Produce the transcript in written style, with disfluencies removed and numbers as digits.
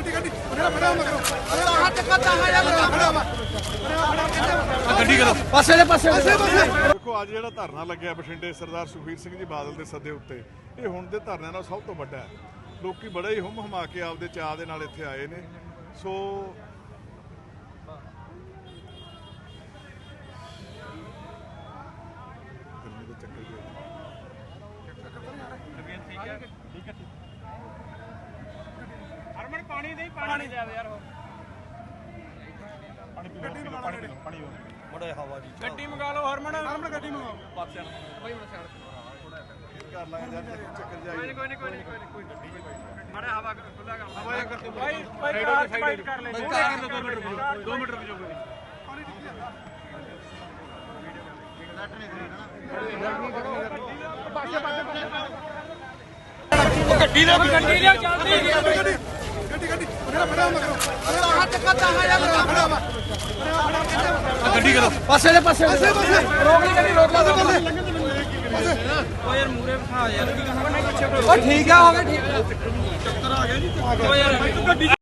ਦੇਖੋ ਅੱਜ ਜਿਹੜਾ ਧਰਨਾ ਲੱਗਿਆ ਬਠਿੰਡੇ ਸਰਦਾਰ ਸੁਖਬੀਰ ਸਿੰਘ ਜੀ ਬਾਦਲ ਦੇ ਸੱਦੇ ਉੱਤੇ, ਇਹ ਹੁਣ ਦੇ ਧਰਨਿਆਂ ਨਾਲ ਸਭ ਤੋਂ ਵੱਡਾ ਹੈ। ਲੋਕੀ ਬੜਾ ਹੀ ਹੁੰਮ ਹਮਾ ਕੇ ਆਪਦੇ ਚਾਅ ਦੇ ਨਾਲ ਇੱਥੇ ਆਏ ਨੇ। ਸੋ ਹਰਮਨ ਪਾਣੀ ਦੇ ਪਾਣੀ ਦੇ ਯਾਰ ਉਹ ਪਾਣੀ ਬੜਾ ਹਵਾ ਜੀ ਗੱਡੀ ਮੰਗਾ ਲਓ ਹਰਮਨ ਗੱਡੀ ਮੰਗਾਓ ਪਾਸਿਆਂ ਨੂੰ ਬਈ ਹੁਣ ਸਾਈਡ ਕਰ ਲਾਂਗੇ ਯਾਰ ਚੱਕਰ ਜਾਈ ਕੋਈ ਨਹੀਂ ਮਾੜਾ ਹਵਾ ਖੁੱਲਾ ਕਰ ਹਵਾ ਕਰਕੇ ਬਾਈ ਸਾਈਡ ਕਰ ਲੈ 2 ਮਿੰਟ ਰੁਕ ਜਾਓ ਗੱਡੀ ਲਿਆ ਜਲਦੀ ਗੱਡੀ ਕਰੋ ਪਾਸੇ ਦੇ ਪਾਸੇ ਰੋਕ ਨਹੀਂ ਕਰੀ ਰੋਕ ਲਾ ਓ ਯਾਰ ਮੂਰੇ ਬਿਠਾ ਯਾਰ ਓ ਠੀਕ ਆ ਹੋ ਗਿਆ ਠੀਕ ਚੱਕਰ ਆ ਗਿਆ ਜੀ ਓ ਯਾਰ ਗੱਡੀ